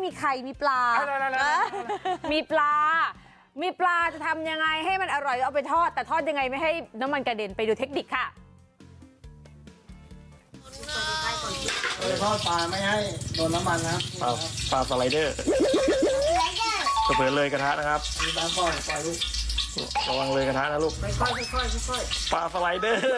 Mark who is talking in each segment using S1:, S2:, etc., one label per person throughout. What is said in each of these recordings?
S1: มีไข่มีปลามีปลาจะทำยังไงให้มันอร่อยเอาไปทอดแต่ทอดยังไงไม่ให้น้ำมันกระเด็นไปดูเทคนิคค่ะ
S2: ทอดปลาไม่ให้โดนน้ำมันนะ
S3: ปลาสไลเดอร์จะเผลอเลยกระทะนะครับ
S2: ปลาปล่อยลูก
S3: ระวังเลยกระทะนะลูก
S2: ค่อย
S3: ปลาสไลเดอร์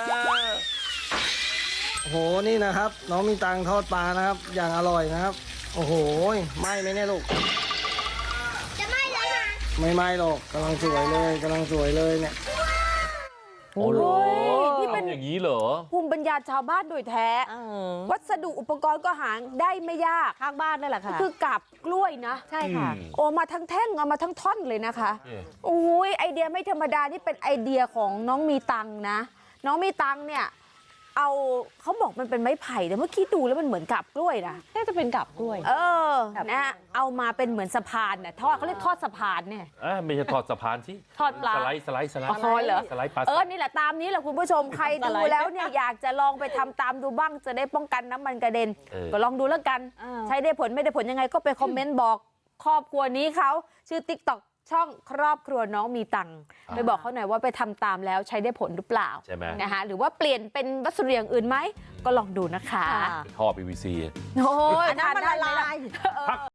S2: โอ้โหนี่นะครับน้องมีตังทอดปลานะครับอย่างอร่อยนะครับโอ้โหไหม้ไหมเนี่ยลูก
S4: จะไหม้แล้วนะ
S2: ไม่ไหม้หรอกกำลังสวยเลยเนี่ย
S1: โอ้ยที่เป็น
S3: อย่างนี้เหรอ
S1: ภูมิปัญญาชาวบ้านโดยแท้วัสดุอุปกรณ์ก็หาได้ไม่ยาก
S4: ข้างบ้านนั่นแหละค่ะ
S1: คือกับกล้วยนะ
S4: ใช่ค่ะ
S1: โอ้มาทั้งแท่งเอามาทั้งท่อนเลยนะคะโอ้ยไอเดียไม่ธรรมดานี่เป็นไอเดียของน้องมีตังนะน้องมีตังเนี่ยเขาบอกมันเป็นไม้ไผ่แต่เมื่อกี้ดูแล้วมันเหมือนกับกล้วยนะ
S4: น่าจะเป็นกับกล้วย
S1: นะเอามาเป็นเหมือนสะพานน่ะทอดเขาเรียกทอดสะพานเนี่ย
S3: ไม่ใช่ทอดสะพานสิ
S1: ทอดปลา
S3: สไลด์
S1: เหรอ
S3: สไลด์ปลา
S1: นี่แหละตามนี้แหละคุณผู้ชมใครดูแล้วเนี่ยอยากจะลองไปทำตามดูบ้างจะได้ป้องกันน้ำมันกระเด็นก็ลองดูแล้วกันใช้ได้ผลไม่ได้ผลยังไงก็ไปคอมเมนต์บอกครอบครัวนี้เขาชื่อ TikTok ช่องครอบครัวน้องมีตังไปบอกเขาหน่อยว่าไปทำตามแล้วใช้ได้ผลหรือเปล่า
S3: ใช่ไหม
S1: นะคะหรือว่าเปลี่ยนเป็นวัสดุอย่างอื่นไหมก็ลองดูนะคะ
S3: ท่อ PVC
S1: โอ้ย
S4: น้ำมันละลาย